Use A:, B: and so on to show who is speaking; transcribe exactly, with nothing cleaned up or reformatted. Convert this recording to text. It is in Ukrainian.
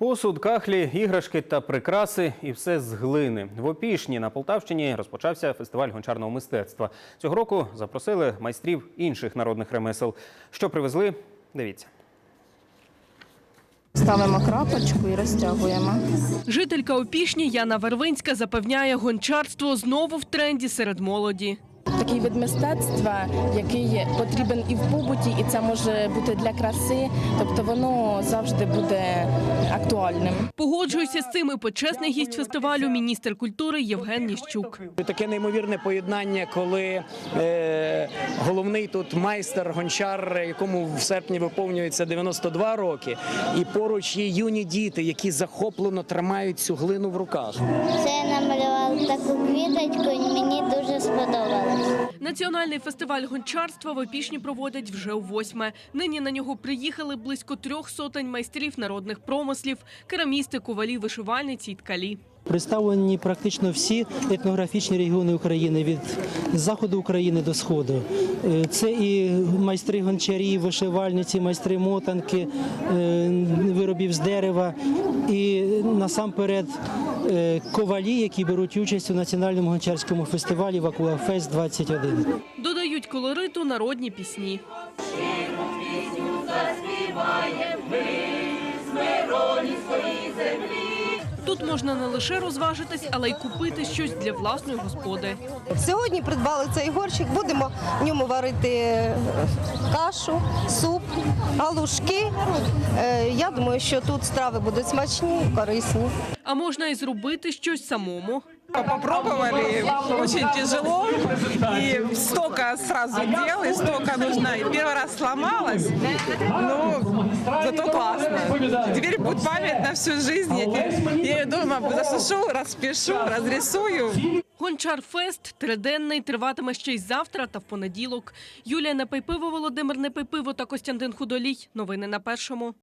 A: Посуд, кахлі, іграшки та прикраси – і все з глини. В Опішні на Полтавщині розпочався фестиваль гончарного мистецтва. Цього року запросили майстрів інших народних ремесел. Що привезли – дивіться.
B: Ставимо крапочку і розтягуємо.
C: Жителька Опішні Яна Вервинська запевняє, гончарство знову в тренді серед молоді.
B: Такий вид мистецтва, який потрібен і в побуті, і це може бути для краси, тобто воно завжди буде актуальним.
C: Погоджується з цим і почесний гість фестивалю – міністр культури Євген Ніщук.
D: Таке неймовірне поєднання, коли е, головний тут майстер, гончар, якому в серпні виповнюється дев'яносто два роки, і поруч є юні діти, які захоплено тримають цю глину в руках.
E: Це я намалювала таку квіточку, і мені дуже сподобалось.
C: Національний фестиваль гончарства в Опішні проводять вже у восьме. Нині на нього приїхали близько трьох сотень майстрів народних промислів, керамісти, ковалі, вишивальниці й ткалі.
F: Представлені практично всі етнографічні регіони України, від заходу України до сходу. Це і майстри гончарі, вишивальниці, майстри мотанки, виробів з дерева, і насамперед ковалі, які беруть участь у національному гончарському фестивалі «Вакуафест двадцять один».
C: Додають колориту народні пісні. Тут можна не лише розважитись, але й купити щось для власної господи.
G: Сьогодні придбали цей горщик, будемо в ньому варити кашу, суп, галушки. Я думаю, що тут страви будуть смачні, корисні.
C: А можна і зробити щось самому.
H: Попробовали, очень тяжело, и столько сразу дел, и столько нужно. И первый раз сломалась, но зато классно. Теперь будет память на всю жизнь. Я ее дома засушу, распишу, разрисую.
C: Гончар-фест триденний, триватиме ще й завтра та в понеділок. Юлія Непайпиво, Володимир Непайпиво та Костянтин Худолій. Новини на Першому.